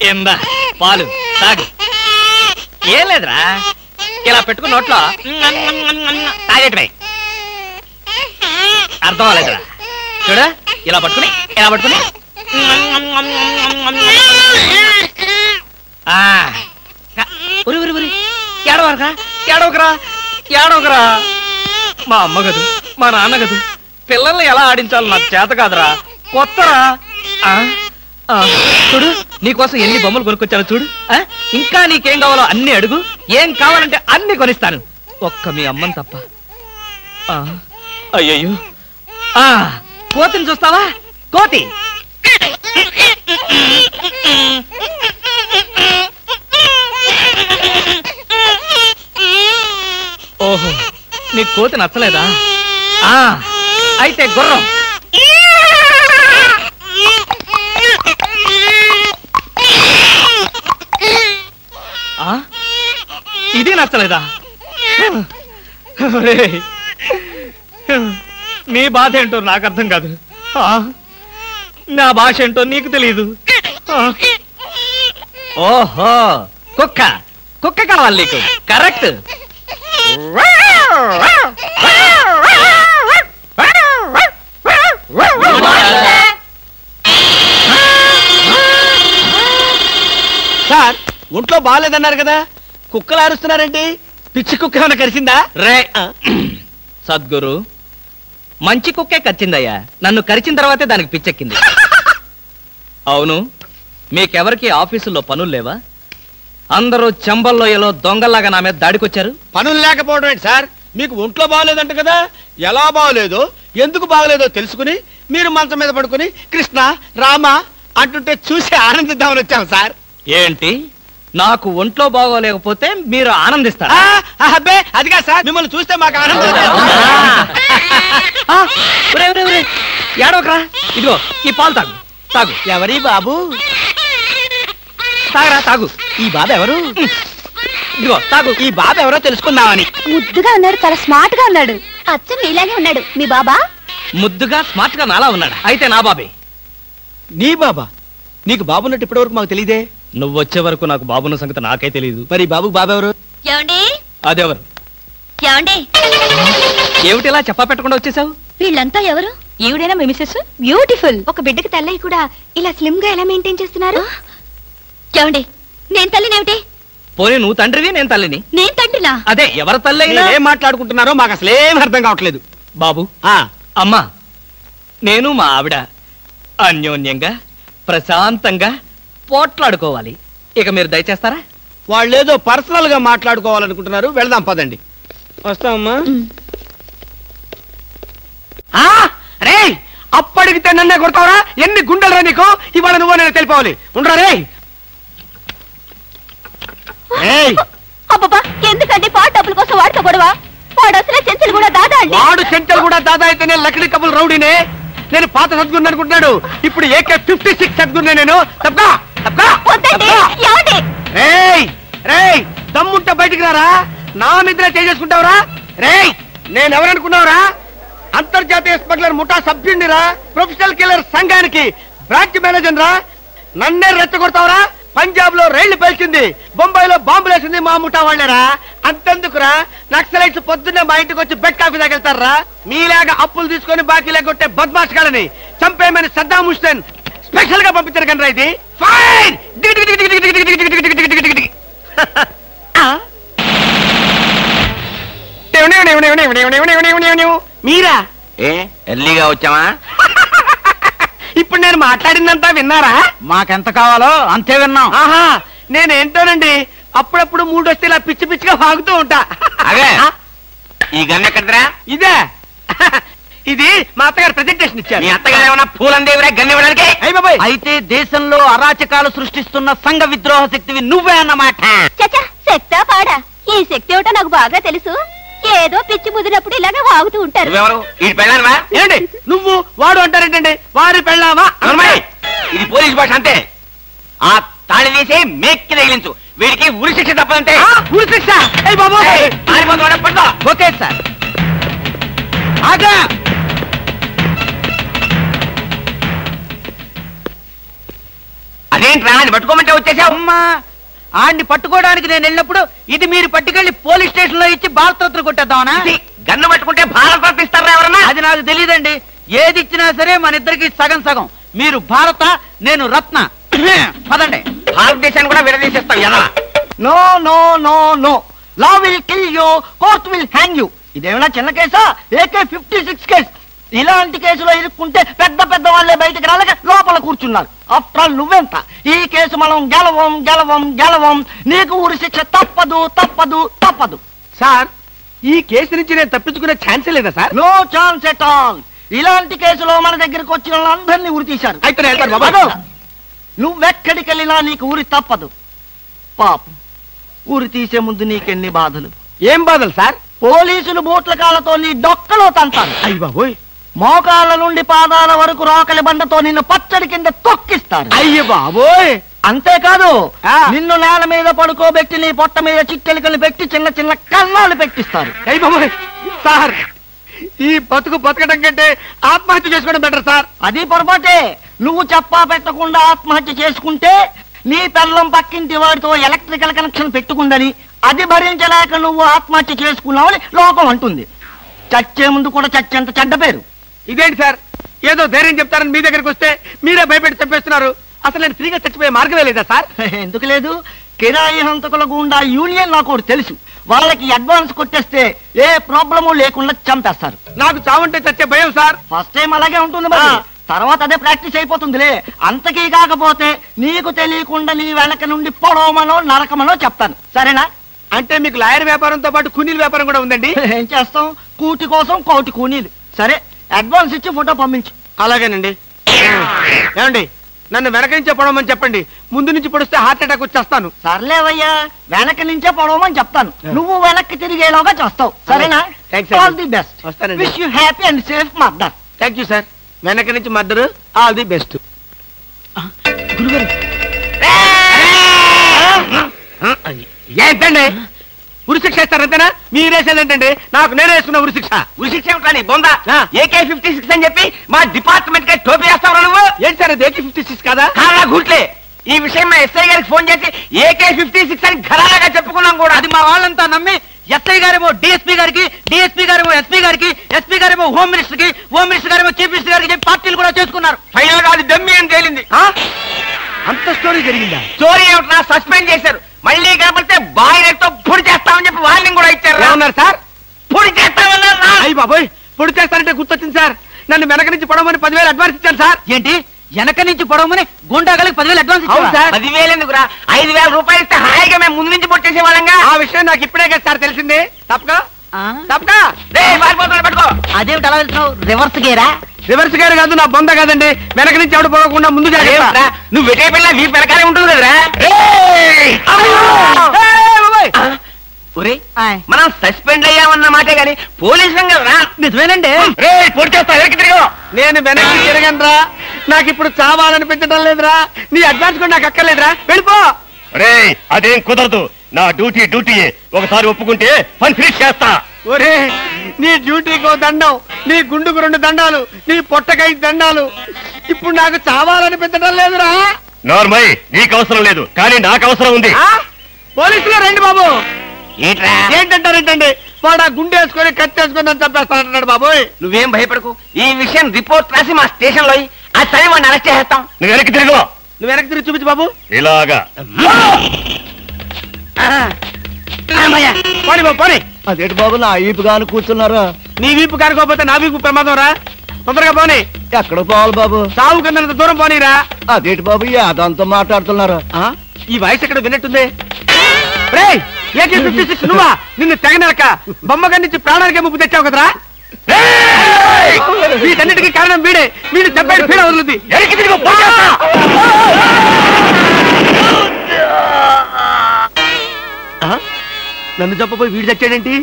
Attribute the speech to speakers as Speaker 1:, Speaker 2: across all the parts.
Speaker 1: ఎందా పాలు తాగు. ఏం లేదురా, ఇలా పెట్టుకుని నోట్లో తాగేటమే. అర్థం అవ్వలేదురా. చూడు, ఇలా పట్టుకుని ఏడవకరా. మా అమ్మ గదు, మా నాన్న గదు, పిల్లల్ని ఎలా ఆడించాలో నాకు చేత కాదురా. కొత్తరా. చూడు, నీకోసం ఎన్ని బొమ్మలు కొనుక్కొచ్చాను చూడు. ఇంకా నీకేం కావాలో అన్ని అడుగు, ఏం కావాలంటే అన్ని కొనిస్తాను, ఒక్క మీ అమ్మని తప్ప. అయ్యయ్యో, కోతిని చూస్తావా? కోతి ఓహో, నీ కోతి నచ్చలేదా? అయితే గుర్రం. ఇది నచ్చలేదా? నీ బాధ ఏంటో నాకు అర్థం కాదు, నా భాష ఏంటో నీకు తెలియదు. ఓహో, కుక్క కుక్క కావాలి నీకు. కరెక్ట్.
Speaker 2: సార్, ఒంట్లో బాగాలేదన్నారు కదా, కుక్కలు అరుస్తున్నారేంటి? పిచ్చి కుక్క ఏమైనా కరిచిందా?
Speaker 1: రే సద్గురు, మంచి కుక్కే కరిచిందయ్యా. నన్ను కరిచిన తర్వాతే దానికి పిచ్చెక్కింది. అవును, మీకెవరికి ఆఫీసుల్లో పనులు లేవా? అందరూ చెంబల్లోయలో దొంగల్లాగా నా మీద దాడికొచ్చారు.
Speaker 2: పనులు లేకపోవడం ఏంటి సార్? మీకు ఒంట్లో బాగలేదంట కదా, ఎలా బాగలేదో ఎందుకు బాగలేదో తెలుసుకుని మీరు మంచం మీద పడుకుని కృష్ణ రామ అంటుంటే చూసి ఆనందిద్దామని వచ్చాం సార్.
Speaker 1: ఏంటి, నాకు ఒంట్లో బాగోలేకపోతే మీరు ఆనందిస్తారా?
Speaker 2: అబ్బే, అదిగా సార్, మిమ్మల్ని చూస్తే మాకు ఆనందం.
Speaker 1: ఏడవకరా, ఇదిగో ఈ పాలు తాగు. తాగు.
Speaker 2: ఎవరి బాబు?
Speaker 1: తాగరా, తాగు.
Speaker 2: ఈ బాబు ఎవరు?
Speaker 1: ఇదిగో తాగు.
Speaker 2: ఈ బాబు ఎవరో తెలుసుకుందామని.
Speaker 3: ముద్దుగా ఉన్నాడు, చాలా స్మార్ట్ గా ఉన్నాడు. అచ్చం మీలాగే ఉన్నాడు. మీ బాబా?
Speaker 1: ముద్దుగా స్మార్ట్ గా నాలా ఉన్నాడా? అయితే నా బాబే.
Speaker 2: నీ బాబా? నీకు బాబున్నట్టు ఇప్పటి వరకు మాకు తెలియదే.
Speaker 1: నువ్వు వచ్చే వరకు నాకు బాబున్న సంగతి నాకే తెలియదు.
Speaker 2: మరి బాబు బాబెవరు?
Speaker 1: అదెవరు? ఏమిటిలా చెప్పా పెట్టకుండా వచ్చేసావు?
Speaker 3: వీళ్ళంతా ఎవరు? ఈవిడేనా మీ మిసెస్? బ్యూటిఫుల్. ఒక బిడ్డకి తల్లయ్య కూడా ఇలా స్లిమ్ గా ఎలా మెయింటైన్ చేస్తున్నారు? ఏమండి, నేను తల్లినేమిటి?
Speaker 1: పోనీ నువ్వు తండ్రివి, నేను తల్లిని.
Speaker 3: నేను తండ్రినా?
Speaker 1: అదే, ఎవరు తల్లి అయినా
Speaker 2: ఏం మాట్లాడుకుంటున్నారో మాకు అసలు ఏం అర్థం కావట్లేదు.
Speaker 1: బాబు, అమ్మా, నేను మా ఆవిడ అన్యోన్యంగా ప్రశాంతంగా పోట్లాడుకోవాలి. ఇక మీరు దయచేస్తారా?
Speaker 2: వాళ్ళేదో పర్సనల్ గా మాట్లాడుకోవాలనుకుంటున్నారు, వెళదాం పదండి. వస్తామమ్మా. రే, అప్పటికితే నన్నే కొడతావరా? ఎన్ని గుండెలు రా నీకు? ఇవాళ నువ్వు నేను తెలిపోవాలి. ఉండరా రే?
Speaker 3: అబ్బబ్బా, ఎందుకండి పాట డబ్బుల కోసం వాడుతో గొడవ? వాడు అసలే చెంచలు కూడా దాదా అండి.
Speaker 2: వాడు చెంచలు కూడా దాదా అయితే నేను లక్కడి కబుల్ రౌడీనే. నేను పాత సద్గురు అనుకుంటున్నాడు, ఇప్పుడు AK-56 సద్గురునే నేను. దమ్ముంటే బయటికి రారా, నా మీద చేసుకుంటావురా? రేయ్, నేనెవరనుకున్నావురా? అంతర్జాతీయ స్మగ్లర్ ముఠా సభ్యుడిరా, ప్రొఫెషనల్ కిల్లర్ సంఘానికి బ్రాంచ్ మేనేజర్ రా. నన్నే రెచ్చగొడతావురా? పంజాబ్ లో రైళ్లు పేల్చింది, బొంబాయిలో బాంబులు వేసింది మా ముఠా వాళ్ళరా. అంతెందుకురా, నక్సలైట్స్ పొద్దున్నే మా ఇంటికి వచ్చి బెడ్ కాఫీ తాగెళ్తారా? మీలాగా అప్పులు తీసుకొని బాకీ లేకొట్టే బద్మాష్ గాలని చంపేయమని సద్దాం హుస్సేన్ స్పెషల్ గా పంపించారు కనరా. ఇది ఫైన్. మీరా?
Speaker 4: ఎర్లీగా వచ్చామా?
Speaker 2: ఇప్పుడు నేను మాట్లాడిందంతా విన్నారా?
Speaker 4: మాకెంత కావాలో అంతే విన్నాం.
Speaker 2: ఆహా, నేనేంటోనండి అప్పుడప్పుడు మూడు వస్తే ఇలా పిచ్చి పిచ్చిగా వాగుతూ ఉంటా.
Speaker 4: అదే, ఈ గన్ ఎక్కడరా?
Speaker 2: ఇదే, ఇది మా అత్తగారు ప్రెజెంటేషన్ ఇచ్చారు.
Speaker 4: మీ అత్తగారు ఏమన్నా పూలందేవిరా గన్ ఇవ్వడానికి? అయితే దేశంలో అరాచకాలు సృష్టిస్తున్న సంఘ విద్రోహ శక్తివి నువ్వే అన్నమాట.
Speaker 3: చచ్చా, శక్తా పాడా? ఈ శక్తి ఏమిటో నాకు బాగా తెలుసు. ఏదో పిచ్చి ముదిరినప్పుడు ఇలాగే వాగుతూ ఉంటారు.
Speaker 2: ఏంటి నువ్వు వాడు అంటారేంటండి? వారి పెళ్ళామా?
Speaker 4: ఇది పోలీసు భాష అంతే. ఆ తాళి వేసి మేక్కి తగిలించు, వీడికి ఉరి శిక్ష తప్పదంటే.
Speaker 2: ఉరి శిక్ష?
Speaker 4: Okay sir. అదేంట్రా అని పట్టుకోమంటే వచ్చేసావు? అమ్మా ఆడిని పట్టుకోవడానికి నేను వెళ్ళినప్పుడు ఇది మీరు పట్టుకెళ్లి పోలీస్ స్టేషన్ లో ఇచ్చి భారతరత్న కొట్టేద్దామనా? గన్ను పట్టుకుంటే భారతరత్న ఇస్తారా ఎవరన్నా? అది నాకు తెలియదండి. ఏది ఇచ్చినా సరే మన ఇద్దరికి సగం సగం. మీరు భారత, నేను రత్న. పదండి. భారతదేశాన్ని కూడా విడదీసేస్తాం ఎలా?
Speaker 2: No no no no, law will kill you, court will hang you. ఇదేమైనా చిన్న కేసా? AK-56 case. ఇలాంటి కేసులో ఇరుక్కుంటే పెద్ద పెద్ద వాళ్ళే బయటకు రాలేక లోపల కూర్చున్నారు. ఆఫ్టర్ ఆల్ నువ్వెంత? ఈ కేసు మనం గెలవం గెలవం గెలవం. నీకు ఊరి శిక్ష తప్పదు తప్పదు తప్పదు.
Speaker 5: సార్, ఈ కేసు నుంచి నేను తప్పించుకునే ఛాన్సే లేదా sir?
Speaker 2: No chance at all. ఇలాంటి కేసులో మన దగ్గరకు వచ్చిన వాళ్ళందరినీ ఉరి తీశారు.
Speaker 5: అయితే నేను వెళ్తాను బాబు.
Speaker 2: నువ్వెక్కడికి వెళ్ళినా నీకు ఊరి తప్పదు. పాపం, ఊరి తీసే ముందు నీకెన్ని బాధలు.
Speaker 5: ఏం బాధలు సార్?
Speaker 2: పోలీసులు బూట్ల కాళ్ళతో నీ డొక్కలో తంతారు.
Speaker 5: అయ్య బాబోయ్.
Speaker 2: మోకాళ్ళ నుండి పాదాల వరకు రోకలి బండతో నిన్ను పచ్చడి కింద తొక్కిస్తారు.
Speaker 5: అయ్య బాబోయ్.
Speaker 2: అంతేకాదు,
Speaker 5: ఆ.
Speaker 2: నిన్ను నేల మీద పడుకోబెట్టి నీ పొట్ట మీద చిట్టెలికలు పెట్టి చిన్న చిన్న కన్నాలు పెట్టిస్తారు.
Speaker 5: అయ్య బాబోయ్. సార్, ఈ బతకడం కంటే ఆత్మహత్య చేసుకోవడం బెటర్ సార్.
Speaker 2: అది పొరపాటే. నువ్వు చెప్పా పెట్టకుండా ఆత్మహత్య చేసుకుంటే నీ పిల్లం పక్కింటి వాడితో ఎలక్ట్రికల్ కనెక్షన్ పెట్టుకుందని అది భరించలేక నువ్వు ఆత్మహత్య చేసుకున్నావని లోకం అంటుంది. చచ్చే ముందు కూడా చచ్చేంత చెడ్డ పేరు.
Speaker 5: ఇదేంటి సార్, ఏదో ధైర్యం చెప్తారని మీ దగ్గరికి వస్తే మీరే భయపెట్టి చంపేస్తున్నారు. అసలు నేను ఫ్రీగా చచ్చిపోయే మార్గమే లేదా సార్?
Speaker 2: ఎందుకు లేదు? కిరాయి హంతకుల గుండా యూనియన్ నాకు ఒకటి తెలుసు. వాళ్ళకి అడ్వాన్స్ కొట్టేస్తే ఏ ప్రాబ్లము లేకుండా చంపేస్తారు.
Speaker 5: నాకు చావుంటే చచ్చే భయం సార్.
Speaker 2: ఫస్ట్ టైం అలాగే ఉంటుంది మరి. తర్వాత అదే ప్రాక్టీస్ అయిపోతుందిలే. అంతకీ కాకపోతే నీకు తెలియకుండా నీ వెనక నుండి పొడవమనో నరకమనో చెప్తాను. సరేనా?
Speaker 5: అంటే మీకు లాయర్ వ్యాపారంతో పాటు కూనీల వ్యాపారం కూడా ఉందండి?
Speaker 2: ఏం చేస్తాం, కూటి కోసం కోటి కూనీలు. సరే, అడ్వాన్స్ ఇచ్చి ఫోటో పంపించు.
Speaker 5: అలాగేనండి. ఏమండి, నన్ను వెనక నుంచే పొడవమని చెప్పండి. ముందు నుంచి పొడిస్తే హార్ట్ అటాక్ వచ్చేస్తాను.
Speaker 2: సర్లేవయ్యా, వెనక నుంచే పొడవమని చెప్తాను. నువ్వు వెనక్కి తిరిగేలోగా చేస్తావు. సరేనా?
Speaker 5: Thanks,
Speaker 2: all the best.
Speaker 5: వస్తానండి.
Speaker 2: Wish you happy and safe murder.
Speaker 5: Thank you sir. వెనక నుంచి మద్దరు. All the best. ఏంటండి ఉరిశిక్ష ఇస్తారంతేనా? మీరేసేదేంటండి? నాకు నేనే వేసుకున్న ఉరిశిక్ష.
Speaker 4: ఉరిశిక్ష ఏమిటని బొందా? AK-56 అని చెప్పి మా డిపార్ట్మెంట్ కి టోపీ వేస్తావు నువ్వు?
Speaker 5: ఏంటి సార్ అది? AK-56 కాదా?
Speaker 4: కాలా గుట్లే. ఈ విషయం మా ఎస్ఐ గారికి ఫోన్ చేసి AK-56 అని ఘరాగా చెప్పుకున్నాం కూడా. అది మా వాళ్ళంతా నమ్మి ఎస్ఐ గారేమో డిఎస్పీ గారికి, డిఎస్పీ గారేమో ఎస్పీ గారికి, ఎస్పీ గారేమో హోమ్ మినిస్టర్ కి, హోమ్ మినిస్టర్ గారేమో చీఫ్ మినిస్టర్ గారికి చెప్పి పార్టీలు కూడా చేసుకున్నారు. ఫైనల్ గా అది డమ్మి అని తేలింది.
Speaker 5: అంత స్టోరీ జరిగిందా?
Speaker 4: స్టోరీ ఏమిటా? సస్పెండ్ చేశారు. మళ్ళీ కాబట్టి బాయిలర్తో పొడి చేస్తామని చెప్పి వార్నింగ్ కూడా ఇచ్చారు.
Speaker 5: ఏమన్నారు సార్?
Speaker 4: పొడి చేస్తామన్నారు.
Speaker 5: అయ్యి బాబోయ్, పొడి చేస్తానంటే గుర్తొచ్చింది సార్. నన్ను వెనక నుంచి పొడవమని 10,000 అడ్వాన్స్ ఇచ్చాను సార్.
Speaker 4: ఏంటి? వెనక నుంచి పొడవమని గుండాగలకి 10,000 అడ్వాన్స్
Speaker 5: అవును సార్.
Speaker 4: 10,000 ఎందుకురా? 5,000 రూపాయలు ఇస్తే హాయిగా మేము ముందు నుంచి పొట్టేసే వాళ్ళంగా.
Speaker 5: ఆ విషయం నాకు ఇప్పుడే కదా సార్ తెలిసింది. తప్పక తప్పక
Speaker 4: పట్టుకో. అదేమిటి అలా వెళ్తున్నావు? రివర్స్ గేరా?
Speaker 5: రివర్స్ గారు కాదు, నా బొంద కాదండి. వెనక నుంచి ఎవడు పోకుండా ముందు జాగ్రత్త.
Speaker 4: నువ్వు వెటే పిల్ల వీ వెనకాలే ఉంటుంది కదరా. మనం సస్పెండ్ అయ్యామన్న మాటే గాని పోలీసు కదరా.
Speaker 2: నిజమేనండి.
Speaker 4: పొడి చేస్తా వెనక్కి తిరిగి.
Speaker 5: నేను వెనక్కి తిరగనరా. నాకు ఇప్పుడు చావాలనిపించడం లేదురా. నీ అడ్వాన్స్ కూడా నాకు అక్కర్లేదురా. వెళ్ళిపో.
Speaker 6: అదేం కుదరదు. నా డ్యూటీ ఒకసారి ఒప్పుకుంటే పని ఫినిష్ చేస్తా.
Speaker 5: ఒరే, నీ డ్యూటీకో దండం, నీ గుండుకు 2 దండాలు, నీ పొట్టకై దండాలు. ఇప్పుడు నాకు చావాలనిపించడం లేదురా.
Speaker 6: నార్మల్, నీకు అవసరం లేదు, కానీ నాకు అవసరం ఉంది.
Speaker 5: పోలీసులు రండి బాబు.
Speaker 4: ఏంట్రా?
Speaker 5: ఏంటంటారేంటండి? వాడు ఆ గుండె వేసుకొని కట్టేసుకొని నన్ను చంపేస్తానంటున్నాడు బాబోయ్.
Speaker 4: నువ్వేం భయపడకు. ఈ విషయం రిపోర్ట్ రాసి మా స్టేషన్ లో ఆ టైం వాడిని అరెస్ట్ చేస్తాం.
Speaker 6: నువ్వు వెనక్కి తిరుగు.
Speaker 5: నువ్వు వెనక్కి తిరిగి చూపించు బాబు.
Speaker 6: ఇలాగా
Speaker 5: పోనీ బాబు పోనీ.
Speaker 2: అదేంటి బాబు, నా ఈపుగాను కూర్చున్నారా?
Speaker 5: నీ వీపు కారుకోపోతే నా వీపు ప్రమాదం రా. తొందరగా పోనీ.
Speaker 2: ఎక్కడ పోవాలి బాబు?
Speaker 5: సాగు కింద దూరం పోనీరా.
Speaker 2: అదేంటి బాబు, యాదంతో మాట్లాడుతున్నారా?
Speaker 5: ఈ వాయిస్ ఎక్కడ విన్నట్టుంది. AK-56 నువ్వా? నిన్ను తెగనరక బొమ్మగా నుంచి ప్రాణానికే ముప్పు తెచ్చావు కదరా. వీటన్నిటికీ కారణం వీడే. వీడు చెప్పాడు పీడ వదులుద్ది. నన్ను చెప్పపోయి వీడు చచ్చాడేంటి?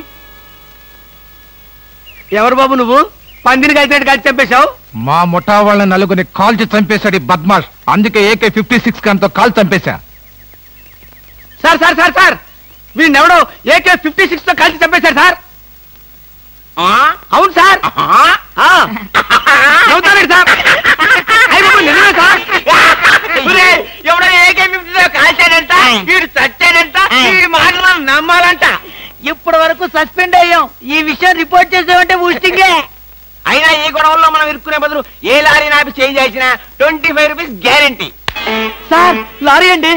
Speaker 5: ఎవరు బాబు నువ్వు? పందిని కలిసినట్టు కలిసి చంపేశావు.
Speaker 7: మా ముఠా వాళ్ళ నలుగురిని కాల్చి చంపేశాడు బద్మాష్. అందుకే AK-56 గన్తో కాల్ చంపేశా.
Speaker 5: సార్ సార్ సార్ సార్, వీడినెవడో AK-56 తో కలిసి చంపేశారు సార్. అవును సార్. నవ్వుతారండి సార్. నిజమే సార్.
Speaker 4: ఎవడో వరకు సస్పెండ్ అయ్యాం. ఈ విషయం రిపోర్ట్ చేసామంటే ఊస్టింగే.
Speaker 2: అయినా ఈ గొడవల్లో మనం ఇరుక్కునే బదులు ఏ లారీ నాపి చేంజ్ చేసినా 25 రూపీస్ గ్యారెంటీ.
Speaker 4: సార్ లారీ అండి.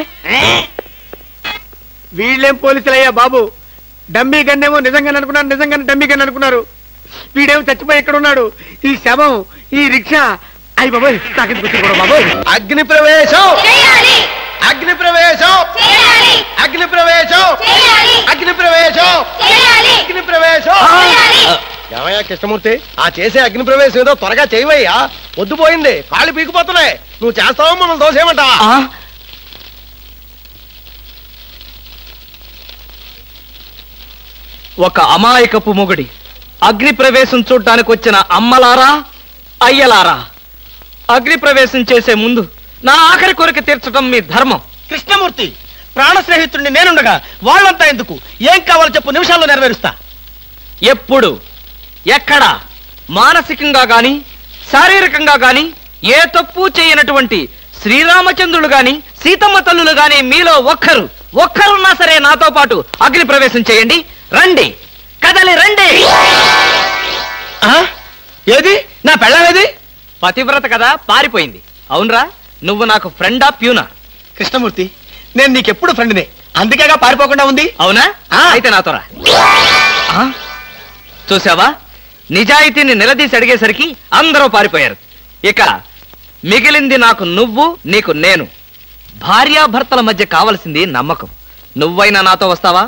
Speaker 5: వీళ్ళేం పోలీసులయ్యా బాబు, డమ్మీ గన్నేమో నిజంగానే అనుకున్నారు, నిజంగానే డమ్మీ గన్ అనుకున్నారు. వీడేమో చచ్చిపోయి ఎక్కడ ఉన్నాడు? ఈ శవం, ఈ రిక్షా, అయ్యి బాబోయ్ నాకెందుకు వచ్చింది కూడా బాబోయ్.
Speaker 2: అగ్ని ప్రవేశం, అగ్ని ప్రవేశం, అగ్ని ప్రవేశం, అగ్ని ప్రవేశం, అగ్ని ప్రవేశం. ఏమయ్యా కృష్ణమూర్తి, ఆ చేసే అగ్ని ప్రవేశం ఏదో త్వరగా చేయవయ్యా, పొద్దుపోయింది, కాళ్ళు పీకిపోతున్నాయి. నువ్వు చేస్తావో మమ్మల్ని దోసేయమంటావా?
Speaker 1: ఒక అమాయకపు మొగుడి అగ్ని ప్రవేశం చూడ్డానికి వచ్చిన అమ్మలారా, అయ్యలారా, అగ్ని ప్రవేశం చేసే ముందు నా ఆఖరి కోరిక తీర్చడం మీ ధర్మం.
Speaker 2: కృష్ణమూర్తి, ప్రాణ స్నేహితుడిని నేనుండగా వాళ్ళంతా ఎందుకు? ఏం కావాలో చెప్పు, నిమిషాల్లో నెరవేరుస్తా.
Speaker 1: ఎప్పుడు, ఎక్కడ, మానసికంగా గాని శారీరకంగా గాని ఏ తప్పు చేయనటువంటి శ్రీరామచంద్రుడు గాని సీతమ్మ తల్లులు గాని మీలో ఒక్కరున్నా సరే నాతో పాటు అగ్ని ప్రవేశం చేయండి. రండి, కదలి రండి.
Speaker 2: ఏది నా పెళ్ళామేది?
Speaker 1: పతివ్రత కదా, పారిపోయింది. అవునరా, నువ్వు నాకు ఫ్రెండా ప్యూనా?
Speaker 2: కృష్ణమూర్తి, నేను నీకెప్పుడు ఫ్రెండ్నే, అందుకేగా పారిపోకుండా ఉంది.
Speaker 1: అవునా? అయితే నాతో రా. చూసావా, నిజాయితీని నిలదీసి అడిగేసరికి అందరూ పారిపోయారు. ఇక మిగిలింది నాకు నువ్వు, నీకు నేను. భార్యాభర్తల మధ్య కావలసింది నమ్మకం. నువ్వైనా నాతో వస్తావా?